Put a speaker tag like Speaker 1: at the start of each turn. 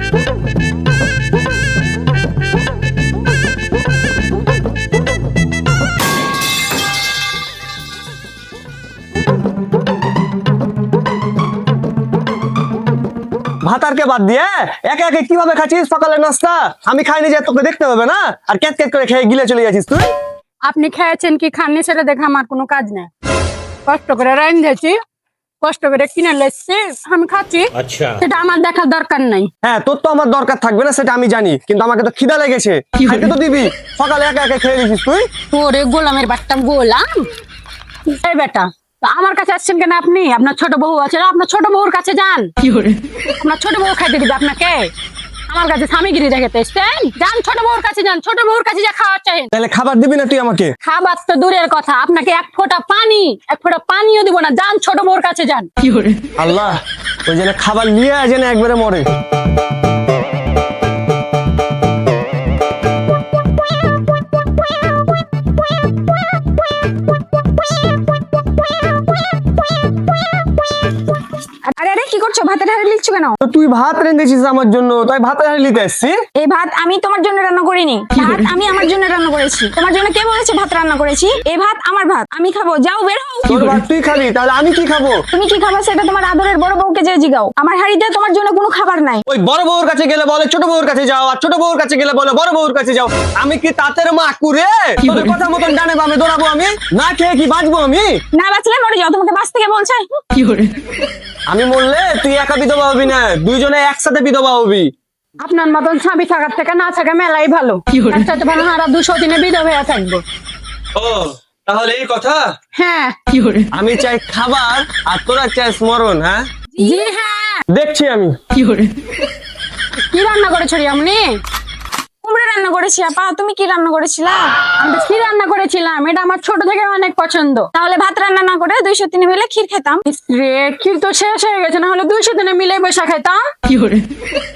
Speaker 1: ভাতারকে বাদ দিয়ে একে একে কিভাবে খাচ্ছিস সকালের নাস্তা? আমি খাইনি যে তোকে দেখতে হবে না? আর ক্যাট ক্যাট করে খেয়ে গিলে চলে যাচ্ছিস তুই।
Speaker 2: আপনি খেয়েছেন কি খাননি সেটা দেখে আমার কোনো কাজ নেই। কষ্ট করে রাঁধেছি, কষ্ট করে কিনে লেছি, আমি খাচ্ছি, সেটা আমার দেখার দরকার নাই।
Speaker 1: হ্যাঁ, তোর তো আমার দরকার থাকবে না সেটা আমি জানি, কিন্তু আমাকে তো খিদা লেগেছে, খাইতে তো দিবি। সকালে একা একা খেয়ে নিছিস তুই।
Speaker 2: ওরে গোলামের বাট্টা গোলাম। এই বেটা, তো আমার কাছে আসছেন কেন আপনি? আপনার ছোট বউ আছে না, আপনার ছোট বউর কাছে যান। আপনার ছোট বউ খাইতে দিবে আপনাকে? আমার কাছে স্বামীগিরি দেখাতে এসছেন? যান ছোট বউর কাছে যান, ছোট বউর কাছে যা খাওয়া চাই।
Speaker 1: তাহলে খাবার দিবি না তুই আমাকে?
Speaker 2: খাবার তো দূরের কথা, আপনাকে এক ফোঁটা পানিও দিব না। যান ছোট বউর কাছে যান।
Speaker 1: আল্লাহ, ওই জন্য খাবার নিয়ে যেন একবারে মরে।
Speaker 3: আরে আরে কি করছো? ভাতের হাঁড়ি লিখছো কেন?
Speaker 1: তো তুই ভাত রেঁধেছিস আমার জন্য, তাই ভাতের হাঁড়ি নিতে আসছি।
Speaker 3: এই ভাত আমি তোমার জন্য রান্না করিনি, ভাত আমি আমার জন্য রান্না করেছি। তোমার জন্য কে বলেছে ভাত রান্না করেছি? এই ভাত আমার ভাত, আমি খাবো। যাও বের হও।
Speaker 1: তোর ভাত তুই খাবি, তাহলে আমি কি খাবো?
Speaker 3: তুমি কি খাবা সেটা তোমার আদরের বড় বউকে যে জিগাও। আমার হাঁড়িতে তোমার জন্য কোনো খাবার নাই।
Speaker 1: ওই বড় বউর কাছে গেলে বলে ছোট বউর কাছে যাও, আর ছোট বউর কাছে গেলে বলে বড় বউর কাছে যাও। আমি কি তাঁতের মা কুরে? তোদের কথা মতন ডানে বামে দৌড়াবো আমি? না খেয়ে কি বাঁচবো আমি?
Speaker 3: না বাঁচলে মরে যাও, তোমাকে বাঁচতে কে বলছে?
Speaker 1: আমি মরলে তুই একা বিধবা হবি না, দুইজনে একসাথে বিধবা হবি।
Speaker 2: আপনার মতন স্বামী থাকার থেকে না থাকা মেলাই ভালো। একসাথে ভালো হারা 200 দিনে বিধবা হয়ে থাকবো।
Speaker 1: ও, তাহলে এই কথা?
Speaker 2: হ্যাঁ।
Speaker 1: আমি চাই খাবার আর তোরা চাই স্মরণ। হ্যাঁ
Speaker 2: জি হ্যাঁ।
Speaker 1: দেখছি আমি।
Speaker 2: কি রান্না করেছো আপনি?
Speaker 3: কুমড়ো রান্না করেছি। আপা তুমি কি রান্না করেছিলা?
Speaker 2: আমি তো ক্ষীর রান্না করেছিলাম, এটা আমার ছোট থেকে অনেক পছন্দ।
Speaker 3: তাহলে ভাত রান্না না করে 200 মিলে ক্ষীর খেতাম।
Speaker 2: রে, ক্ষীর তো শেষ হয়ে গেছে, না হলে 200 দিনে মিলে বসে খাইতাম।